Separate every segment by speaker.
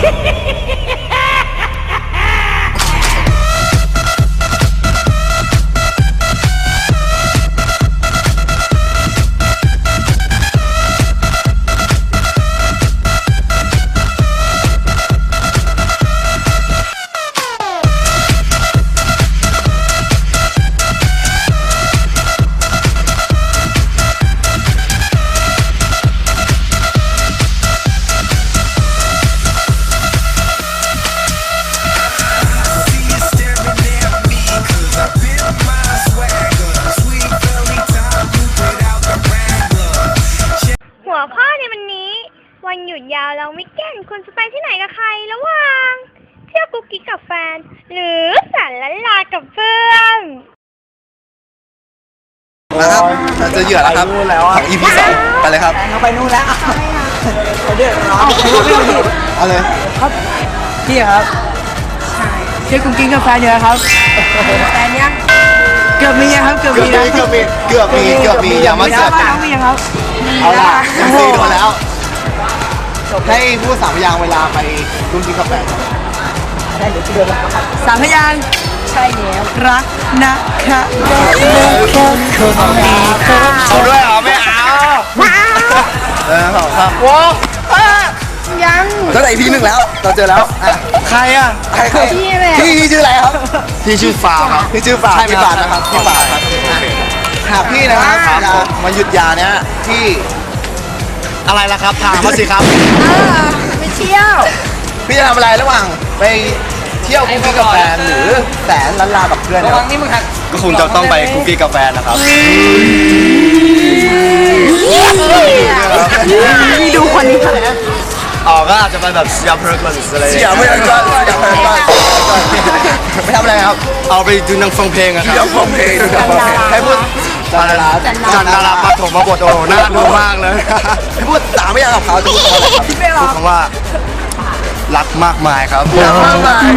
Speaker 1: วันหยุดยาวเราวิกเอนด์คุณจะไปที่ไหนกับใครระหว่างเที่ยวกุ๊กกิ๊กกับแฟนหรือสารละลากับเพื่อน
Speaker 2: นะครับเราเจอเหยื่อแล้วครับของ EP 2ไปเลยครับ
Speaker 3: เราไปนู่นแล้วไปเดือดร้อน
Speaker 2: เอาเลย
Speaker 3: ครับพี่ครับเที่ยวกุ๊กกิ๊กกับแฟนเยอะครับแฟนยังเกือบมีครับเกือบมี
Speaker 2: อย่ามาเสือก
Speaker 3: กันมีครับ
Speaker 2: เอาล่ะMCโดนแล้วให้พูด3 พยางค์เวลาไปกุ๊กกิ๊กกับแฟน
Speaker 3: ได้เดี๋ยวจะเดินมาครับ3 พยางค์ใช่แล้วรักนะคะ
Speaker 2: เอาด้วยเหรอไม่เอาครับว้าว
Speaker 1: ยัง
Speaker 2: ตั้งแต่ EP 1แล้วเราเจอแล้วใครอ่ะพี่ชื่ออะไรครับพี่ชื่อฟาครับพี่ชื่อฟาพี่ฟานะครับพี่ฟาครับหากพี่นะครับมาหยุดยาเนี้ยที่อะไรล่ะครับถามมาสิครับ
Speaker 1: ไปเที่ยว
Speaker 2: พี่จะทำอะไรระหว่างไปเที่ยวกุ๊กกิ๊กกับแฟนหรือแสนล้านลากับเพื่อนระวังนี่มึงก็คงจะต้องไปกุ๊กกิ๊กกับแฟนนะครับ
Speaker 1: นี่ดูคนนี้ค่ะ
Speaker 2: ก็อาจจะไปแบบเสียเพลิงอะไรเสียเพลิงก่อนไปทำอะไรครับเอาไปดูหนังฟังเพลงอะครับฟังเพลงให้พูดจันดาราปฐมบทโอ้น่าดูมากเลยให้พูด3 พยางค์กับเขาจะพูดอะไรครับพูดคำว่ารักมากมายครับรักมากมาย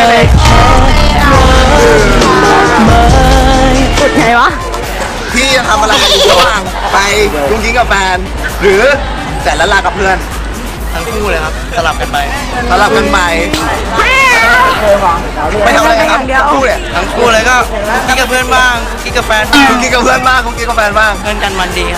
Speaker 1: พูดไงวะ
Speaker 2: พี่จะทำอะไรระหว่างไปกุ๊กกิ๊กกับแฟนหรือแสนล้านลากับเพื่อนทั้งคู่เลยครับสลับกันไปไม่ทำอะไรครับทั้งคู่เลยก็กิ๊กกับเพื่อนบ้างกิ๊กกับแฟนกิ๊กกับเพื่อนบ้างกิ๊กกับแฟนบ้างเพื่อนกันมันดี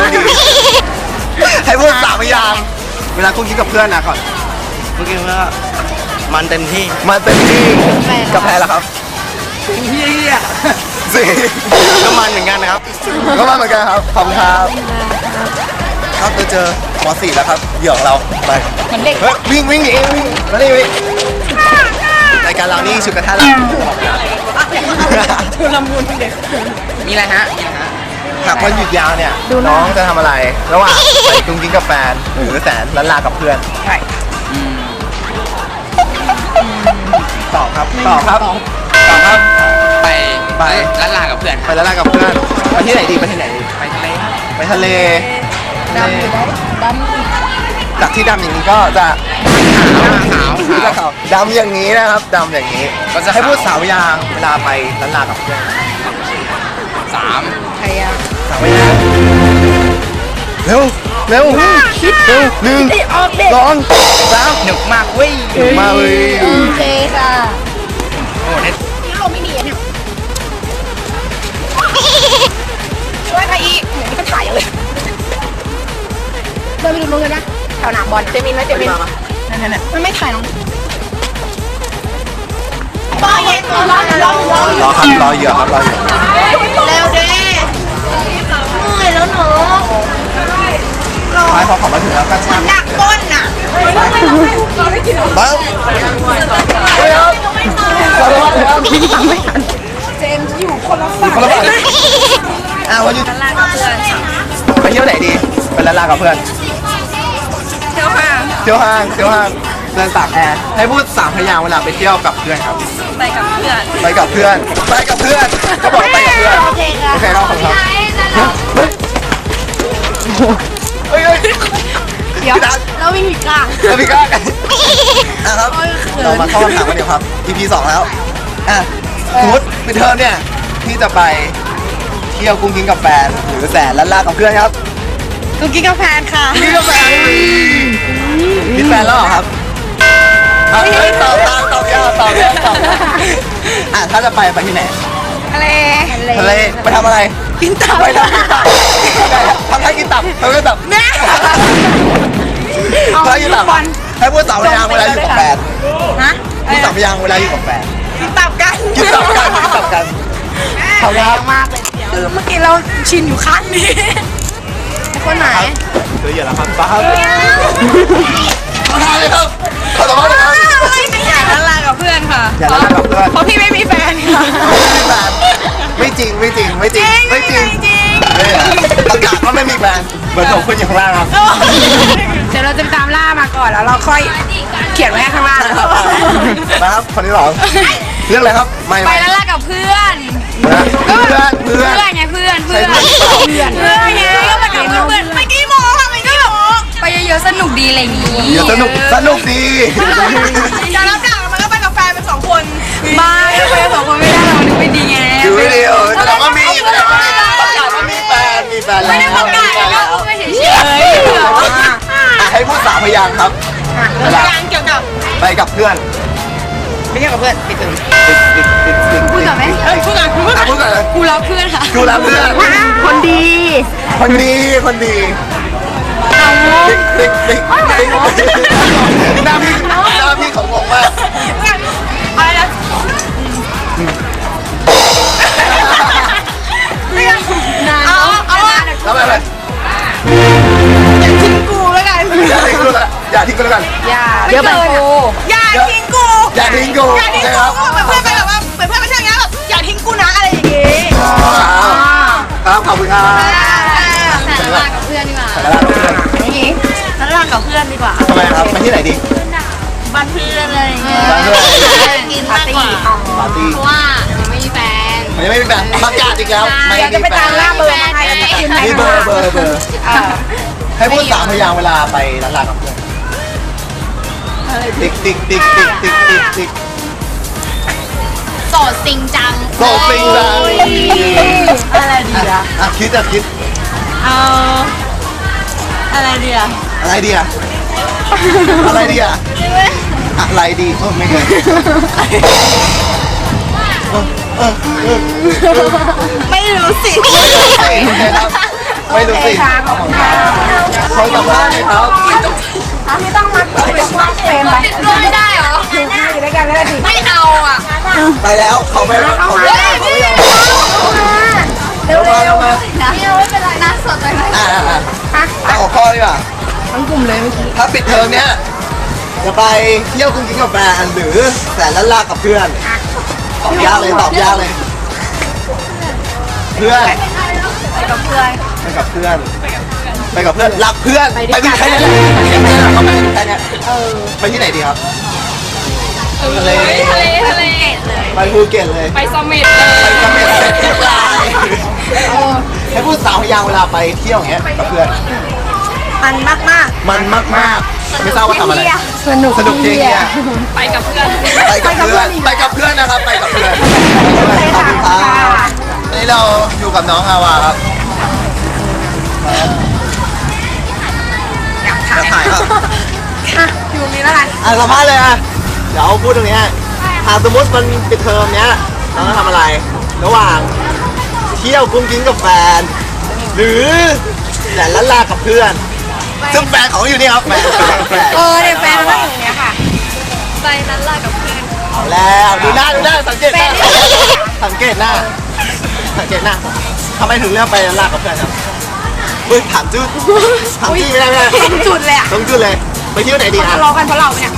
Speaker 2: ให้พูด3 พยางค์เวลากุ๊กกิ๊กกับเพื่อนนะก่อนกุ๊กกิ๊กก็มันเต็มที่กับแฟนล่ะครับเฮียสิก็มันเหมือนกันนะครับครับขอบคุณครับครับเจอม.4 แล้วครับเหยื่อของเราไปวิ่งหนีมาดิรายการเรานี่ชุดกระทะ
Speaker 3: ชุลมุนเด็กมีอะไรฮะ
Speaker 2: หากวันหยุดยาวเนี่ยน้องจะทำอะไรระหว่างไปกุ๊กกิ๊กกับแฟนหรือแสนล้านลากับเพื่อน
Speaker 3: ใช่
Speaker 2: ตอบครับไป
Speaker 3: ล้านลากับเพื่อน
Speaker 2: ไปที่ไหนดีไปทะเลจากที่ดำอย่างนี้ก็จะขาวดำอย่างนี้นะครับดำอย่างนี้ก็จะให้พูด3 พยางค์เวลาไปล้านลากับเพื่อน
Speaker 3: 3 พยางค์
Speaker 2: เร็ว1 2 3
Speaker 3: หนุกมากเว้ย
Speaker 1: โอเคค่ะ
Speaker 3: โอ้เนี่ย
Speaker 1: ลมไม่ดีเนี่ยช่วยใครอีกเหมือนนี่ก็ถ่ายเลยเดินไปดูนู้นกันนะแถวหนามบอลเจมินนั่นมันไม่ถ่ายน้องรอ
Speaker 2: ครับรอเหยื่อ
Speaker 1: เร็วเด้เมื่อยแล้วหนู
Speaker 2: ไปพอมาถึงแล้วก็ช่าง
Speaker 1: หนักก้นน่ะ
Speaker 2: บ้าง
Speaker 1: เจมส์อยู่คนละฝั่ง
Speaker 2: วันหยุดไปเที่ยวไหนดีไปล้านลากับเพื่อน
Speaker 1: เที่ยวห้าง
Speaker 2: เดินตากแอร์ให้พูด3 พยางค์เวลาไปเที่ยวกับเพื่อนครับ
Speaker 1: ไปกับเพื่อน
Speaker 2: ก็บอกไปกับเพื่อนโอเคครับผมครับ
Speaker 1: เดี๋ยวเราวิ่งผิดกลาง
Speaker 2: กันนะครับเรามาเข้าคำถามกันเดี๋ยวครับ EP 2แล้วสมมติไปเทอมเนี่ยที่จะไปเที่ยวกุ๊กกิ๊กกับแฟนหรือแสนล้านลากับเพื่อนครับ
Speaker 1: กุ๊กกิ๊กกับแฟนค่ะ
Speaker 2: มีแฟนแล้วเหรอครับตอบยากถ้าจะไปที่ไหน
Speaker 1: ทะเล
Speaker 2: ทะเลไปทำอะไรกินตับไปทำกินตับทำให้กินตับทำให้ตับให้กินตับให้พูดสาวพยางเวลาอยู่กับแฟน
Speaker 1: ฮะ
Speaker 2: พูดสาวพยางเวลาอยู่กับแฟน
Speaker 1: กินตับกัน
Speaker 2: กินตับกันเขาครับ
Speaker 1: มากเลยคือเมื่อกี้เราชินอยู่ข้างนี้คนไหน
Speaker 2: เจอเหยื่อแล้วครับป้าครับขอทานเลยครับขอสัมภาษณ์เลยครับ
Speaker 1: ไม่อยากละลากับเพื่อนค่ะ
Speaker 2: อย่าละลากับเพื่อน
Speaker 1: เพราะพี่ไม่มีแฟนค่ะ
Speaker 2: ไม่จริงประกาศว่าไม่มีแฟนเบอร์โทรคุณอยู่ข้างล่างครับ
Speaker 1: เดี๋ยวเราจะไปตามล่ามาก่อนแล้วเราค่อยเขียนไว้ข้างล่างนะครับ
Speaker 2: มาครับคนที่สองเรื่องอะไรครับไม่
Speaker 1: ไปละลากับเพื่อน
Speaker 2: เพื่อน
Speaker 1: ไงเพื่อนไงก็ไปกับเพื่อนไปกี่โมงค่ะไปกี่โมงไปเยอะๆสนุกดีอะไรอย่างงี้
Speaker 2: อย่าสนุกดี
Speaker 1: จะรับดักมันก็ไปกับแฟนเป็น2 คนบ้าไปกับ2 คนไม่ได้เรานึกไม่ดีไง
Speaker 2: อยู่วิดีโอแสดงว่ามีประกาศว่ามีแฟนแล้ว
Speaker 1: ไม่ได้ประกาศก็พูดไปเฉยๆ
Speaker 2: ให้พูด3 พยางค์ครับ
Speaker 1: พยางเกี่ยวกับ
Speaker 2: ไปกับเพื่อน
Speaker 3: ไม่ใช่กับเพื่อนปิดถึง
Speaker 1: พูดกับไหมพูดกับ
Speaker 2: พูดก่อนเลย
Speaker 1: กูรักเพื่อนค่ะ
Speaker 2: ดูแลเพื่อน
Speaker 1: คนดี
Speaker 2: ติ๊กหน้าพี่ของผมมาก
Speaker 1: อะไรนะเอา
Speaker 2: แล้วอะไร
Speaker 1: อย่าทิ้งกูแล้วกัน
Speaker 2: อย่าทิ้งกูแล้วกัน
Speaker 1: เดี๋ยวแบบกูอย่าทิ้งกู
Speaker 2: อย่าทิ้งกู
Speaker 1: ก็แบบเพื่อนไปแบบว่าเหมือนเพื่อนไปเที่ยวอย่างเงี้ยแบบอย่าทิ้งกูนะอะไรอย่างงี้
Speaker 2: ครับขอบคุณครับ
Speaker 1: แต่ละกับเพื่อนดีกว่า
Speaker 2: แต่ละเพื่อน
Speaker 1: นี่แต่ละกับเพื่อนดีกว่า
Speaker 2: ทำไมครับไปที่ไหนดี
Speaker 1: บ้านเพื่อนอะไรอย่างเงี้ย
Speaker 2: บ้านเพื่อน
Speaker 1: กินมากกว่า
Speaker 2: ปาร์ตี้
Speaker 1: เพราะว่ายังไม่มีแฟน
Speaker 2: มันไม่มีแฟนประกาศอีกแล้วไม่
Speaker 1: เดี๋ยวจะ
Speaker 2: มี
Speaker 1: ไป
Speaker 2: แฟ
Speaker 1: ตาม
Speaker 2: น
Speaker 1: ล่าเบอร์มาให้
Speaker 2: นี่เบอร์ให้พูด3 พยางค์เวลาไปร้านลากับเพื่อนติ๊ก
Speaker 1: โสดจริงจัง
Speaker 2: โสดจริงจัง
Speaker 1: อะไรดีอะ
Speaker 2: คิด
Speaker 1: เอาอะไรดีอะ
Speaker 2: อะไรดีอะอะไรดีไม่เคย
Speaker 1: ไม่รู้สิ
Speaker 2: ไม่รู้สิเขาสัมภาษณ์ครับ
Speaker 1: พี่ต้องมาเป็นว่าเฟรมไปไม่ได้เหรออยู่ด้วยกันไม่ได้ดิไม่เอาอ่ะ
Speaker 2: ไปแล้วเขาไม่รับเขาไม่รับ
Speaker 1: เร็วๆนะไม่เป็นไรนะสดเลยนะ
Speaker 2: เอาหัวข้อดีกว่า
Speaker 1: ทั้งกลุ่มเลยเมื่อกี้
Speaker 2: ถ้าปิดเทอมเนี้ยจะไปเที่ยวกุ้งกิ้งกับแฟนหรือแสนละลากับเพื่อนตอบยากเลยเพื่อน
Speaker 1: ไปกับเพื่อน
Speaker 2: รักเพื่อนไปกันแค่นี้เขาไปแค่นี้ไปที่ไหนดีครับทะเล ไปภูเก็ตเลย
Speaker 1: ไปเสม็ดเลย
Speaker 2: ไปเสม็ดเสร็จเรียบร้อยให้พูด3 พยางค์เวลาไปเที่ยวอย่างเงี้ยกับเพื่อน
Speaker 1: มันมาก
Speaker 2: มันมากๆไม่ทราบว่าทำอะไร
Speaker 1: สนุก
Speaker 2: จริงเนี่ย
Speaker 1: ไปกับเพื่อน
Speaker 2: ไปกับเพื่อนนะครับไปกับเพื่อนขอบคุณครับนี่เราอยู่กับน้องอาวาครับอยากถ่ายครับ
Speaker 1: อยู่นี้แล้วกัน
Speaker 2: สัมภาษณ์เลยเดี๋ยวพูดตรงนี้สมมติมันปิดเทอมเนี้ยน้องจะทำอะไร ระหว่างเที่ยวกุ้งกิ้งกับแฟน หรือแสนละลากับเพื่อนซึ่งแฟนของอยู่นี่ครับแฟน
Speaker 1: เนี่ยแฟนเราอยู่เนี้ยค่ะไปนั้นล่ะกับเพื่อน
Speaker 2: เอาแล้วดูหน้าสังเกตหน้าทำไมถึงเลือกไปลากับเพื่อนครับถามจุดไม่ได้
Speaker 1: ต้องจุดเลยอ่ะ
Speaker 2: ต้องจุดเลยไปเที่ยวไหนดี
Speaker 1: ทะเลาะกันเพราะเราเนี่ย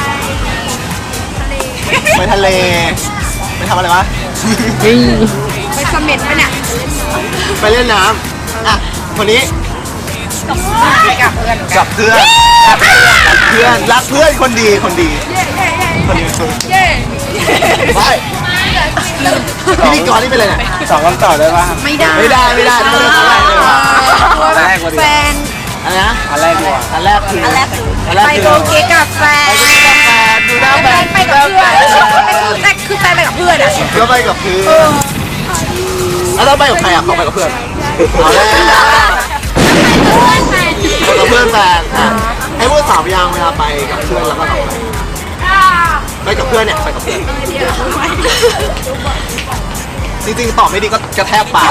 Speaker 2: ไปทะเลไปทำอะไรวะ
Speaker 1: ไปเสม็ดไปเนี่ย
Speaker 2: ไปเล่นน้ำคนนี้ กับเพื่อนรักเพื่อนคนดีไปพิธีกรนี่เป็นอะไรเนี่ย2 วันต่อได้ป่ะ
Speaker 1: ไม่ได้
Speaker 2: ไม่ได้ไม่ได้ต้องเลือกอะไรเลยว่ะ
Speaker 1: แฟน
Speaker 2: อะไรนะอันแรกคือ
Speaker 1: ไปโกเกกับแฟน
Speaker 2: ดูหน้าแฟน
Speaker 1: ไปกับเพื่อนแต่คือแฟนไปกับเพื่อนอ่ะ
Speaker 2: ก็ไปกับเพื่อนแล้วเราไปกับใครเขาไปกับเพื่อนเอาแล้วกับเพื่อนแฟนให้พูด3 พยางค์เวลาไปกับเพื่อนแล้วก็กับใครกับเพื่อนเนี่ยไปกับเพื่อนจริงๆตอบไม่ดีก็กระแทกปาก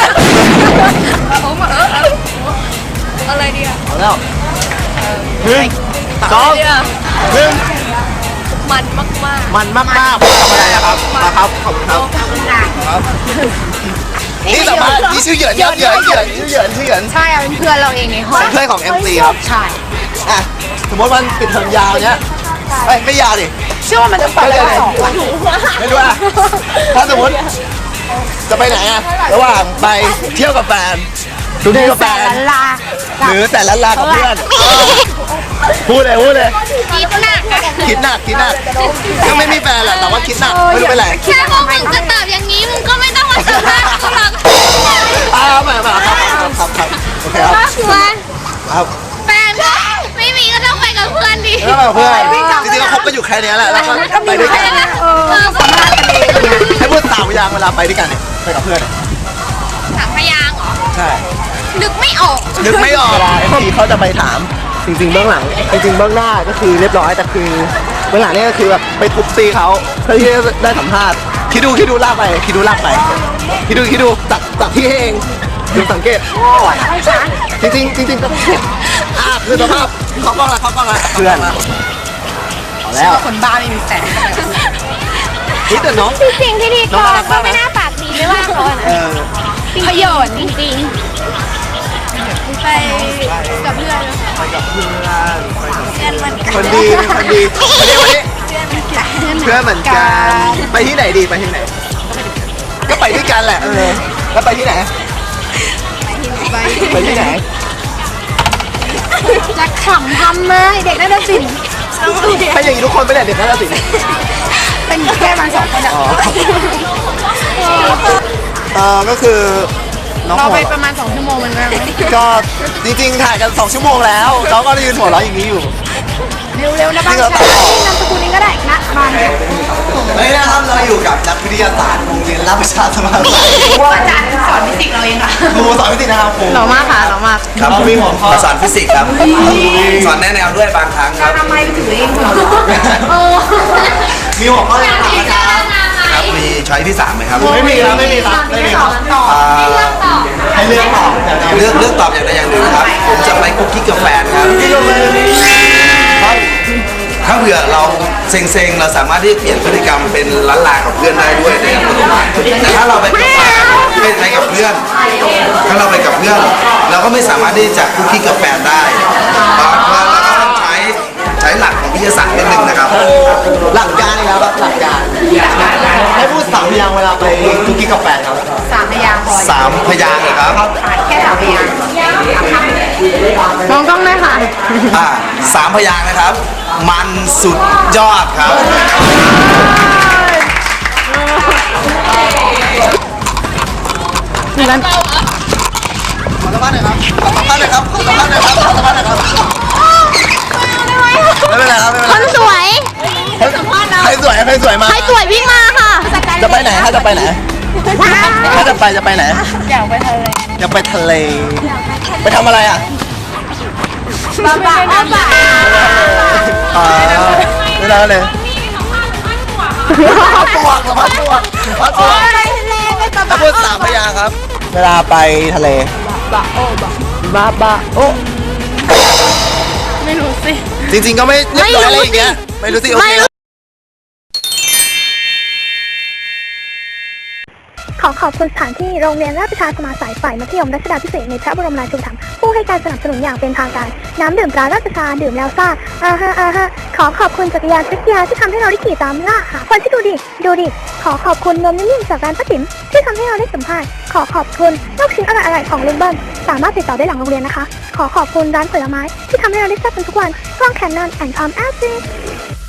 Speaker 3: อะไรดีอะ
Speaker 2: เอาแล้วหนึ่งสองหนึ่ง
Speaker 3: มันมาก
Speaker 2: มันมากๆผมทำอะไรนะครับมาครับขอบคุณครับครับนี่สามารถนี่ชื่อเหยินครับเหยินชื่อเหยิน
Speaker 3: ๆใช่เป็นเพื่อนเราเองในห้อง
Speaker 2: เป็นเพื่อนของ MC ครับ
Speaker 3: ใช่
Speaker 2: อ่ะสมมติวันปิดเทอมยาวเนี้ยไม่ยาวดิ
Speaker 3: เชื่อว่ามันจะไปได้2 วัน
Speaker 2: ไม่รู้อ่ะถ้าสมมติจะไปไหนอ่ะระหว่างไปเที่ยวกับแฟนดูที่กับแฟน
Speaker 3: ลา
Speaker 2: หรือแต่ละลากับเพื่อนพูดเลย
Speaker 1: คิดหนักอะ
Speaker 2: คิดหนักก็ไม่มีแฟนแหละแต่ว่าคิดหนักไม่รู้เป็นไร
Speaker 1: แค่พวกมึงจะตอบอย่างนี้มึงก็ไม่ต้องมาสัมภาษณ์กูหรอก
Speaker 2: มาครับโอเคครับ ครับ
Speaker 1: แฟนไม่มีก็ต้องไปกับเพื่อนดิ
Speaker 2: แล้วเพื่อนจริงๆก็คบกันอยู่แค่นี้แหละแล้วก็ไปด้วยกัน
Speaker 3: สัมภาษณ์กันเองเนี่ย
Speaker 2: ให้พูด3 อย่างเวลาไปด้วยกันเนี่ยไปกับเพื่อน
Speaker 1: สามพยางค์เหรอ
Speaker 2: ใช่
Speaker 1: นึกไม่ออก
Speaker 2: นึกไม่ออกเวลา MC เขาจะไปถามจริงๆเบื้องหลังจริงๆเบื้องหน้าก็คือเรียบร้อยแต่คือเบื้องหลังนี่ก็คือแบบไปทุบตีเขาเพื่อที่จะได้สัมภาษณ์คิดดูลากไปคิดดูตัดที่ให้เองดูสังเกตจริงก็คือสภาพเขากล้องละเพื่อนเอาแล้ว
Speaker 3: คนบ้าไม่มีแฟน
Speaker 2: นี่แต่น้อง
Speaker 1: จริงๆพิธีกรก็ไม่น่าปากดีไม่ว่าเขาอะนะ
Speaker 3: พยนต์
Speaker 1: จริง
Speaker 3: ไปกับเพื่อน
Speaker 2: ไปกับเพื่อน
Speaker 3: เพื่อนมัน
Speaker 2: คนดีวันนี้เพื่อนเหมือนกันไปที่ไหนดีไปที่ไหน ก็ไปด้วยกันแหละแล้วไปที่ไหนไปที่ไหน
Speaker 3: จะขำทำเลยเด็กน่าจะสิน
Speaker 2: ถ้าอย่างนี้ทุกคนไปแหละเด็กน่าจะสิ
Speaker 3: เป็นแค่มัน2 คนอะ
Speaker 2: ก็คือน้อง
Speaker 3: เรา
Speaker 2: หัว
Speaker 3: ไปประมาณ2 ชั่วโมงมันไม่
Speaker 2: ก็จริงๆถ่ายกัน2 ชั่วโมงแล้วเขาก็ยืนหัวเราะอย่างนี้อยู่
Speaker 3: เร็วๆนะบ้าง
Speaker 2: จริงเหรอ
Speaker 3: ใช่นามสกุลนี้ก็ได้นะมา
Speaker 2: เฮ้ยนะครับเราอยู่กับนักวิทยาศาสตร์โรงเรียนราชประชาสมาคม
Speaker 3: อาจารย์สอนฟิสิกส์เราเองค่ะ
Speaker 2: ครูสอนวิทยานะครับครู
Speaker 3: หล่อมากค่ะหล่อมาก
Speaker 2: ครับมีหัวข้อ
Speaker 4: มาสอนฟิสิกส์ครับ สอนแนะแนวด้วยบางครั้งครับ
Speaker 3: ทำไมไปถึงเองเหรอ
Speaker 2: มีหัวข้ออะไรถามอาจารย์
Speaker 4: ครับ มีช้อยที่3ไหมครับ
Speaker 2: ไม่มีครับ
Speaker 3: ต่อ
Speaker 4: อ่า
Speaker 2: ให้เลือกตอบ
Speaker 4: เลือกตอบอย่างใดอย่างหนึ่งครับ ผมจะไปกุ๊กกิ๊กกับแฟนครับ
Speaker 2: ที่ลงเลยครับ
Speaker 4: ถ้าเผื่อเราเซ็งๆ เราสามารถที่จะเปลี่ยนพฤติกรรมเป็นล้านลากับเพื่อนได้ด้วยในอัตโนมัติแต่ถ้าเราไปกับแฟนไม่ไปกับเพื่อน ถ้าเราไปกับเพื่อน เราก็ไม่สามารถที่จะกุ๊กกิ๊กกับแฟนได้เพราะว่าเราก็ต้องใช้หลักของวิทยาศาสตร์นิดนึงนะครับ
Speaker 2: หลักการนี่ครับหลักการให้พูด3 อย่างเวลาไปคุกกี้กับแฟนครับ
Speaker 3: 3 พยางค์พอ
Speaker 4: 3 พยางค์เหรอครับ
Speaker 3: แค่3 พยางค์มองกล้องเลยค่ะ
Speaker 4: 3 พยางค์นะครับ มันสุดยอดครับ
Speaker 3: งั้น
Speaker 2: ขอสัมภาษณ์หน่อยครับไม่เป็นไรครับ
Speaker 1: คนสวย
Speaker 2: ใครสวยมา
Speaker 1: ใครสวยวิ่งมาค่ะ
Speaker 2: จะไปไหนถ้าจะไปไหนถ้าจะไปไหน
Speaker 3: อยากไปทะเล
Speaker 2: อยากไปทะเลไปทำอะไรอ่ะ
Speaker 3: บ้าบ้าบ้า
Speaker 2: ไม่ได้เลยพัดพวกถ้าพูด3 พยางค์ครับ เวลาไปทะเลบ้าโอ
Speaker 3: ไม่รู้สิ
Speaker 2: จริงๆก็ไม่เรียบร้อยอะไรอย่างเงี้ยไม่รู้สิโอเค
Speaker 1: ขอขอบคุณสถานที่โรงเรียนราชประชาสมาสายฝ่ายมัธยมรัชดาภิเษกในพระบรมราชูปถัมภ์ผู้ให้การสนับสนุนอย่างเป็นทางการน้ำดื่มตราราชประชาดื่มแล้วซ่าขอขอบคุณจักรยานทริกยาที่ทำให้เราได้ขี่ตามล่าหาคนที่ดูดิขอขอบคุณนมนิ่มๆจากร้านป้าติ๋มที่ทำให้เราได้สัมภาษณ์ขอขอบคุณลูกชิ้นอร่อยๆของลุงเบิ้ลสามารถติดต่อได้หลังโรงเรียนนะคะขอขอบคุณร้านผลไม้ที่ทำให้เราได้แซ่บกันทุกวันกล้องแคนนอนแอนด์ทอมแอสซิ